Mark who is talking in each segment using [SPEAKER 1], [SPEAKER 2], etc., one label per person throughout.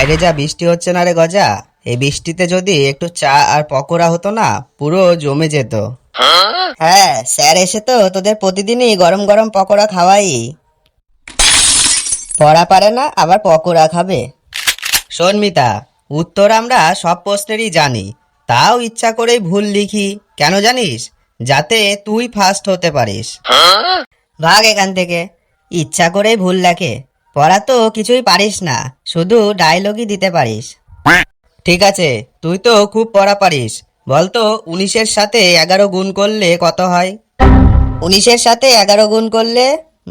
[SPEAKER 1] বাইরে যা বৃষ্টি হচ্ছে না রে গজা, এই বৃষ্টিতে যদি একটু চা আর পকোড়া হতো না, পুরো জমে যেত। হ্যাঁ, স্যার এসে তো তোদের প্রতিদিনই গরম গরম পকোড়া খাওয়াই। পড়া পারে না আবার পকোড়া খাবে? শোন মিতা, উত্তর আমরা সব প্রশ্নেরই জানি, তাও ইচ্ছা করেই ভুল লিখি। কেন জানিস? যাতে তুই ফার্স্ট হতে পারিস। ভাগ এখান থেকে। ইচ্ছা করেই ভুল লেখে। পড়া তো কিছুই পারিস না, শুধু ডায়লগই দিতে পারিস। ঠিক আছে, তুই তো খুব পড়া পারিস। বলতো 19-এর সাথে 11 গুণ করলে কত হয়? 19-এর সাথে 11 গুণ করলে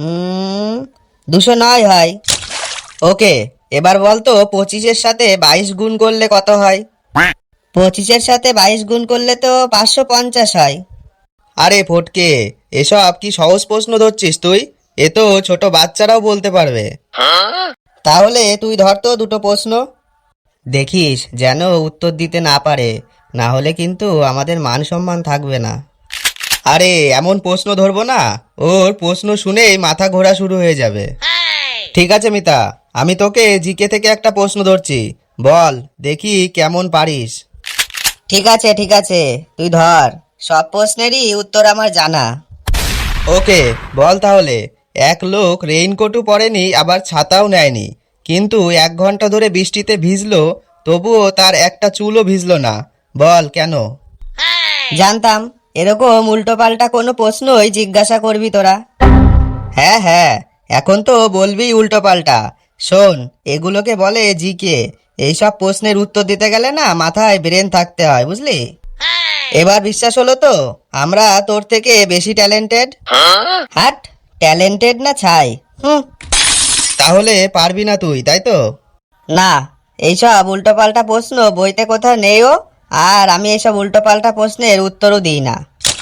[SPEAKER 1] 209 হয়। ওকে, এবার বলতো 25-এর সাথে 22 গুণ করলে কত হয়? 25-এর সাথে 22 গুণ করলে তো 550 হয়। আরে ফটকে, এসব কি সহজ প্রশ্ন ধরছিস তুই? এ তো ছোট বাচ্চারাও বলতে পারবে। তাহলে তুই ধর তো দুটো প্রশ্ন। দেখিস যেন উত্তর দিতে না পারে, না হলে কিন্তু আমাদের মান সম্মান থাকবে না। আরে এমন প্রশ্ন ধরবো না, ওর প্রশ্ন শুনেই মাথা ঘোরা শুরু হয়ে যাবে। ঠিক আছে মিতা, আমি তোকে জিকে থেকে একটা প্রশ্ন ধরছি, বল দেখি কেমন পারিস। ঠিক আছে ঠিক আছে, তুই ধর। সব প্রশ্নেরই উত্তর আমার জানা। ওকে, বল তাহলে। এক লোক রেইনকোটও পরেনি আবার ছাতাও নেয়নি, কিন্তু 1 ঘন্টা ধরে বৃষ্টিতে ভিজলো, তবুও তার একটা চুলও ভিজলো না। বল কেন? জানতাম এরকম উল্টোপাল্টা কোনো প্রশ্নই জিজ্ঞাসা করবি তোরা। হ্যাঁ হ্যাঁ, এখন তো বলবি উল্টোপাল্টা। শোন, এগুলোকে বলে জিকে। এইসব প্রশ্নের উত্তর দিতে গেলে না মাথায় ব্রেন থাকতে হয়, বুঝলি? এবার বিশ্বাস হলো তো আমরা তোর থেকে বেশি ট্যালেন্টেড? হাট, ট্যালেন্টেড না ছাই। তাহলে পারবি না তুই, তাই তো? না, এইসব উল্টোপাল্টা প্রশ্ন বইতে কোথাও নেইও, আর আমি এইসব উল্টোপাল্টা প্রশ্নের উত্তরও দিই না।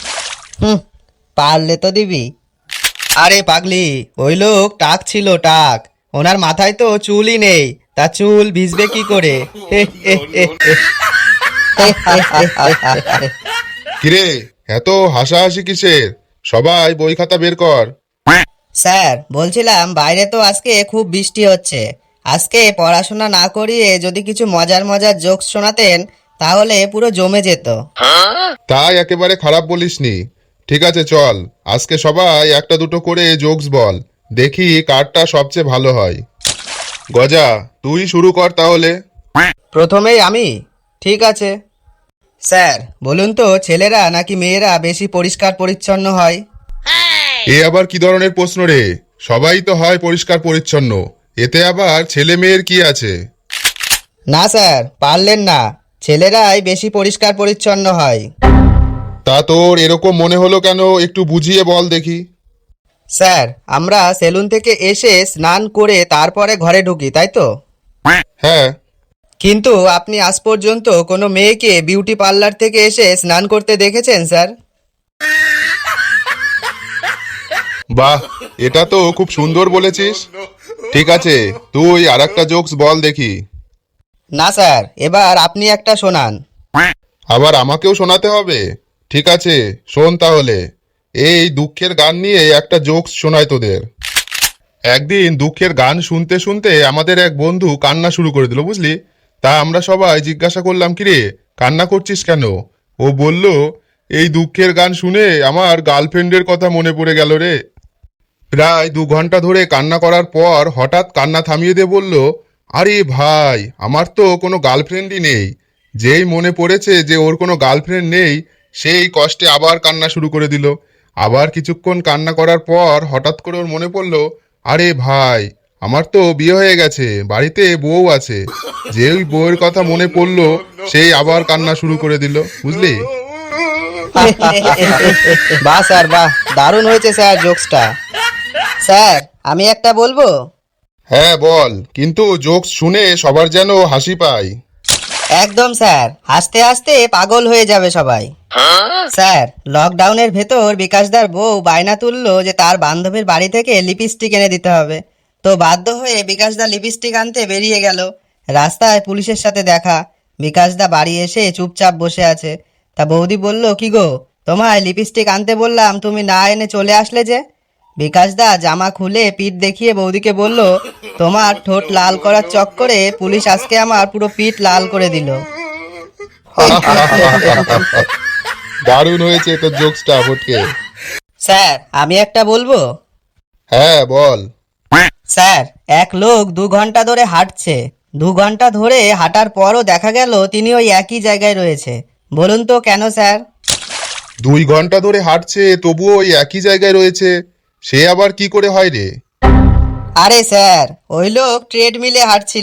[SPEAKER 1] পারলে তো দিবি। আরে পাগলি, ওই লোক টাক ছিল, টাক। ওনার মাথায় তো চুলই নেই, তা চুল ভিজবে কি করে?
[SPEAKER 2] কিরে, এত হাসাহাসি কিসের? সবাই বই খাতা বের কর।
[SPEAKER 1] স্যার বলছিলাম, বাইরে তো আজকে খুব বৃষ্টি হচ্ছে। আজকে পড়াশোনা না করিয়ে যদি কিছু মজার মজার জোকস শোনাতেন, তাহলে পুরো জমে যেত।
[SPEAKER 2] তাই একেবারে খারাপ বলিসনি। ঠিক আছে চল, আজকে সবাই একটা দুটো করে জোকস বল, দেখি কারটা সবচেয়ে ভালো হয়। গজা, তুই শুরু কর তাহলে।
[SPEAKER 1] প্রথমেই আমি? ঠিক আছে। স্যার বলুন তো, ছেলেরা নাকি মেয়েরা বেশি পরিষ্কার পরিচ্ছন্ন হয়?
[SPEAKER 2] এ আবার কি ধরনের প্রশ্ন রে? সবাই তো হয় পরিষ্কার পরিচ্ছন্ন, এতে আবার ছেলে মেয়ের কি আছে?
[SPEAKER 1] না স্যার, পারলেন না। ছেলেরাই বেশি পরিষ্কার পরিচ্ছন্ন হয়।
[SPEAKER 2] তা তোর এরকম মনে হলো কেন, একটু বুঝিয়ে বল দেখি।
[SPEAKER 1] স্যার, আমরা সেলুন থেকে এসে স্নান করে তারপরে ঘরে ঢুকি, তাই তো?
[SPEAKER 2] হ্যাঁ।
[SPEAKER 1] কিন্তু আপনি আজ পর্যন্ত কোনো মেয়েকে বিউটি পার্লার থেকে এসে স্নান করতে দেখেছেন স্যার?
[SPEAKER 2] বাহ, এটা তো খুব সুন্দর বলেছিস। ঠিক আছে, তুই আর একটা জোকস বল দেখি।
[SPEAKER 1] না স্যার, এবার আপনি একটা শোনান।
[SPEAKER 2] আবার আমাকেও শোনাতে হবে? ঠিক আছে, শোন তাহলে। এই দুঃখের গান নিয়ে একটা জোকস শোনায় তোদের। একদিন দুঃখের গান শুনতে শুনতে আমাদের এক বন্ধু কান্না শুরু করে দিল, বুঝলি? তা আমরা সবাই জিজ্ঞাসা করলাম, কিরে কান্না করছিস কেন? ও বলল, এই দুঃখের গান শুনে আমার গার্লফ্রেন্ডের কথা মনে পড়ে গেল রে। প্রায় 2 ঘন্টা ধরে কান্না করার পর হঠাৎ কান্না থামিয়ে দিয়ে বলল, আরে ভাই, আমার তো কোনো গার্লফ্রেন্ডই নেই। যেই মনে পড়েছে যে ওর কোনো গার্লফ্রেন্ড নেই, সেই কষ্টে আবার কান্না শুরু করে দিল। আবার কিছুক্ষণ কান্না করার পর হঠাৎ করে ওর মনে পড়ল, আরে ভাই, আমার তো বিয়ে হয়ে গেছে, বাড়িতে বউ আছে। যেই বউয়ের কথা মনে পড়লো, সেই আবার কান্না শুরু করে দিল, বুঝলি?
[SPEAKER 1] বাহ স্যার বাহ, দারুণ হয়েছে স্যার জোকসটা। স্যার আমি একটা বলবো?
[SPEAKER 2] হ্যাঁ বল, কিন্তু জোকস শুনে সবার যেন হাসি পায়।
[SPEAKER 1] একদম স্যার, হাসতে হাসতে পাগল হয়ে যাবে সবাই। স্যার, লকডাউনের ভেতর বিকাশদার বউ বায়না তুললো যে তার বান্ধবীর বাড়ি থেকে লিপস্টিক এনে দিতে হবে। তো বাধ্য হয়ে বিকাশদা লিপস্টিক আনতে বেরিয়ে গেল। রাস্তায় পুলিশের সাথে দেখা। বিকাশদা বাড়ি এসে চুপচাপ বসে আছে। তা বৌদি বলল, কি গো, তোমায় লিপস্টিক আনতে বললাম, তুমি না এনে চলে আসলে যে? বিকাশ দা জামা খুলে পিঠ দেখিয়ে বৌদিকে বলল, তোমার ঠোঁট লাল করার চক্করে পুলিশ আজকে আমার পুরো পিঠ লাল করে দিল।
[SPEAKER 2] দারুণ হয়েছে তোর জোকসটা ফটকে।
[SPEAKER 1] স্যার আমি একটা বলবো?
[SPEAKER 2] হ্যাঁ বল।
[SPEAKER 1] স্যার, এক লোক 2 ঘন্টা ধরে হাঁটছে। 2 ঘন্টা ধরে হাঁটার পরও দেখা গেল তিনি ওই একই জায়গায় রয়েছে। বলুন তো কেন স্যার?
[SPEAKER 2] 2 ঘন্টা ধরে হাঁটছে তবুও ওই একই জায়গায় রয়েছে, সে আবার কি করে হয় রে?
[SPEAKER 1] আরে স্যার, ওই লোক ট্রেডমিলে হাঁটছিল।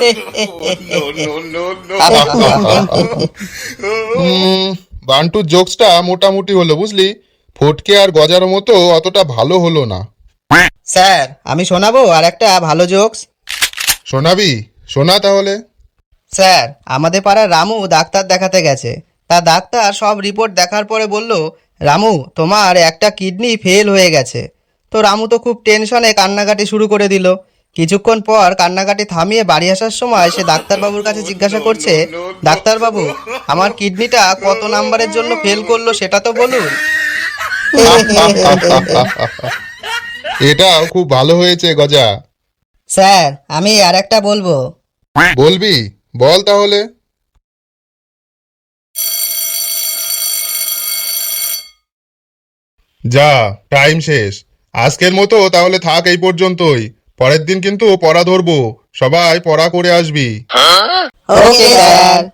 [SPEAKER 2] বান্টুর জোকসটা মোটামুটি হলো বুঝলি, ফটকে আর গজার মতো অতটা ভালো হলো না।
[SPEAKER 1] স্যার আমি শোনাবো আর একটা ভালো জোকস।
[SPEAKER 2] শোনাবি? শোনা তাহলে।
[SPEAKER 1] স্যার, আমাদের পাড়ার রামু ডাক্তার দেখাতে গেছে। তা ডাক্তার সব রিপোর্ট দেখার পরে বলল, রামু তোমার একটা কিডনি ফেল হয়ে গেছে। তো রামু তো খুব টেনশনে কান্নাকাটি শুরু করে দিল। কিছুক্ষণ পর কান্নাকাটি থামিয়ে বাড়ি আসার সময় সে ডাক্তারবাবুর কাছে জিজ্ঞাসা করছে, ডাক্তারবাবু আমার কিডনিটা কত নাম্বারের জন্য ফেল করলো সেটা তো বলুন।
[SPEAKER 2] এটাও খুব ভালো হয়েছে গজা।
[SPEAKER 1] স্যার আমি আর একটা বলবো?
[SPEAKER 2] বলবি? বল তাহলে। যা, টাইম শেষ। আজকের মতো তাহলে থাক এই পর্যন্তই। পরের দিন কিন্তু পড়া ধরবো, সবাই পড়া করে আসবি।
[SPEAKER 1] Okay sir.